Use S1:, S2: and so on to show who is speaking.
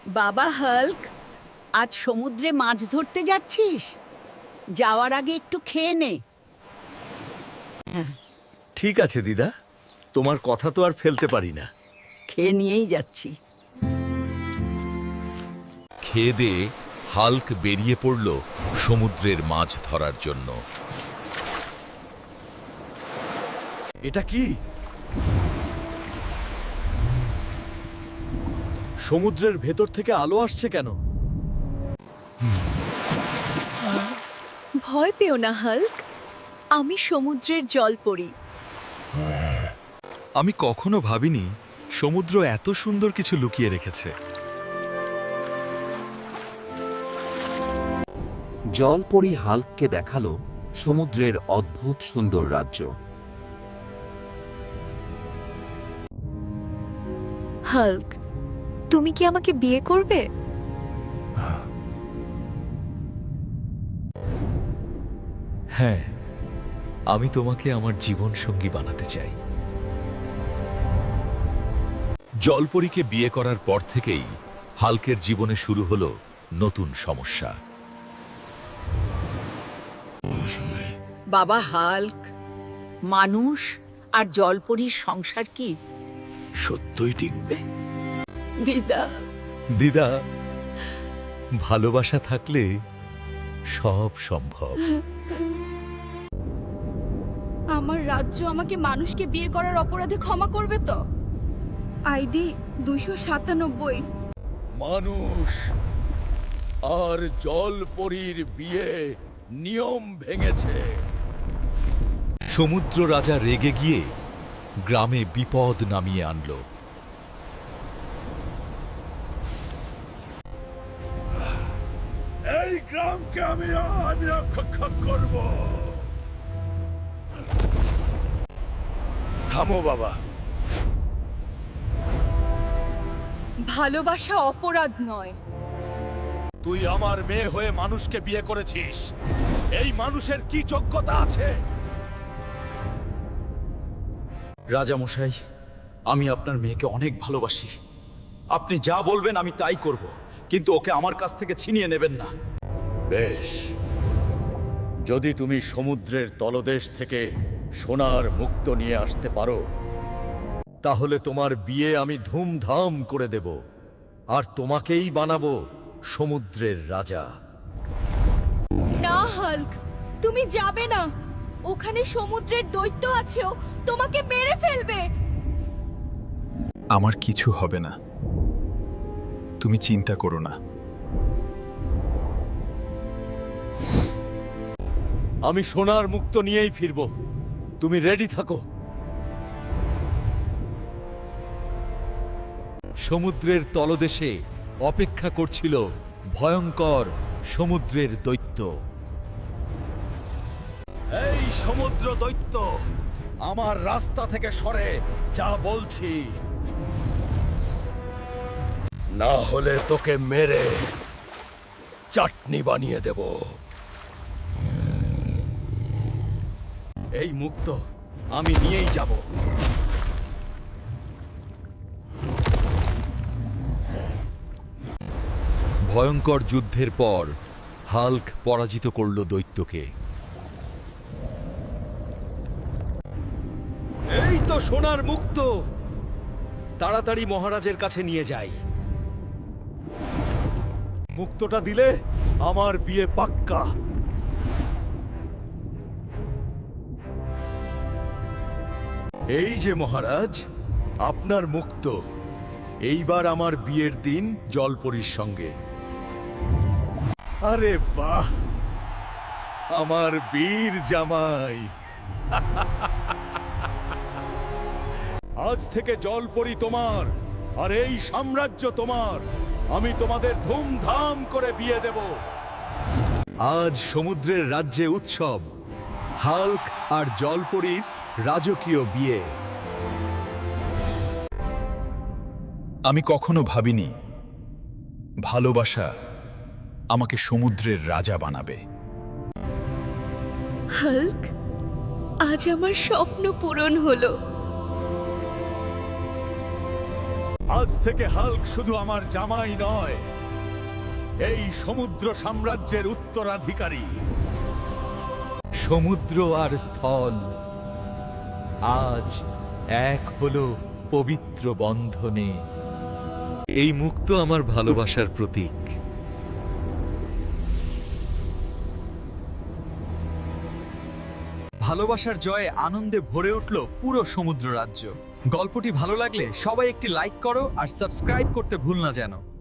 S1: বাবা হাল্ক, আজ সমুদ্রে মাছ ধরতে যাচ্ছিস? যাওয়ার আগে একটু খেয়ে নে।
S2: ঠিক আছে দিদা, তোমার কথা তো আর ফেলতে পারি না।
S1: খেয়ে নিয়েই যাচ্ছি।
S3: খেয়ে দিয়ে হাল্ক বেরিয়ে পড়ল সমুদ্রের মাছ ধরার জন্য।
S2: এটা কি? সমুদ্রের ভেতর থেকে আলো আসছে কেন?
S4: ভয় পেও না হাল্ক, আমি সমুদ্রের জলপরী।
S5: আমি কখনো ভাবিনি সমুদ্র এত সুন্দর কিছু লুকিয়ে রেখেছে।
S6: জলপরী হাল্ককে দেখালো সমুদ্রের অদ্ভুত সুন্দর রাজ্য।
S4: হাল্ক, তুমি কি আমাকে বিয়ে করবে?
S5: হ্যাঁ, আমি তোমাকে আমার জীবন সঙ্গী বানাতে চাই।
S3: জলপরীকে বিয়ে করার পর থেকেই হাল্কের জীবনে শুরু হলো নতুন সমস্যা।
S1: বাবা হাল্ক, মানুষ আর জলপরীর সংসার কি
S2: সত্যই টিকবে?
S1: দিদা?
S5: দিদা, ভালোবাসা থাকলে সব সম্ভব।
S4: আমার রাজ্য আমাকে মানুষকে বিয়ে করার অপরাধে ক্ষমা করবে তো? আইডি 297।
S2: মানুষ আর জলপরীর বিয়ে নিয়ম ভেঙেছে।
S3: সমুদ্র রাজা রেগে গিয়ে গ্রামে বিপদ নামিয়ে আনল।
S2: এই গ্রামকে আমি আজ রক্ষা করব। থামো বাবা।
S4: ভালোবাসা অপরাধ নয়।
S2: তুই আমার মেয়ে হয়ে মানুষকে বিয়ে করেছিস। এই মানুষের কি যোগ্যতা আছে?
S7: রাজামশাই, আমি আপনার মেয়েকে অনেক ভালোবাসি। আপনি যা বলবেন আমি তাই করব, কিন্তু ওকে আমার কাছ থেকে ছিনিয়ে নেবেন না।
S2: বেশ, যদি তুমি সমুদ্রের তলদেশ থেকে সোনার মুক্তো নিয়ে আসতে পারো, তাহলে তোমার বিয়ে আমি ধুমধাম করে দেব, আর তোমাকেই বানাবো সমুদ্রের রাজা।
S4: না হাল্ক, তুমি যাবে না। ওখানে সমুদ্রের দৈত্য আছেও তোমাকে মেরে ফেলবে।
S5: আমার কিছু হবে না, তুমি চিন্তা করো না।
S2: আমি সোনার মুক্তো নিয়েই ফিরব, তুমি রেডি থাকো।
S3: সমুদ্রের তলদেশে অপেক্ষা করছিল ভয়ঙ্কর সমুদ্রের দৈত্য।
S2: এই সমুদ্র দৈত্য, আমার রাস্তা থেকে সরে যা বলছি, না হলে তোকে মেরে চাটনি বানিয়ে দেব। এই মুক্তো আমি নিয়েই যাব।
S3: ভয়ঙ্কর যুদ্ধের পর হাল্ক পরাজিত করল দৈত্যকে।
S2: এই তো সোনার মুক্তো, তাড়াতাড়ি মহারাজের কাছে নিয়ে যাই। মুক্তোটা দিলে আমার বিয়ে পাক্কা। এই যে মহারাজ, আপনার মুক্তো। এইবার আমার বিয়ের দিন জলপরীর সঙ্গে। আরে বাহ, আমার বীর জামাই। আজ থেকে জলপরী তোমার, আর এই সাম্রাজ্য তোমার। আমি তোমাদের ধুমধাম করে বিয়ে দেব।
S5: আজ সমুদ্রের রাজ্যে উৎসব, হাল্ক আর জলপরীর রাজকীয় বিয়ে। আমি কখনো ভাবিনি ভালোবাসা আমাকে সমুদ্রের রাজা বানাবে।
S4: হাল্ক, আজ আমার স্বপ্ন পূরণ হলো।
S2: আজ থেকে হাল্ক শুধু আমার জামাই নয়, এই সমুদ্র সাম্রাজ্যের উত্তরাধিকারী।
S5: সমুদ্র আর স্থল আজ এক হলো পবিত্র বন্ধনে। এই মুক্ত আমার ভালোবাসার প্রতীক।
S7: ভালোবাসার জয়ে আনন্দে ভরে উঠল পুরো সমুদ্র রাজ্য। গল্পটি ভালো লাগলে সবাই একটি লাইক করো আর সাবস্ক্রাইব করতে ভুল না যেন।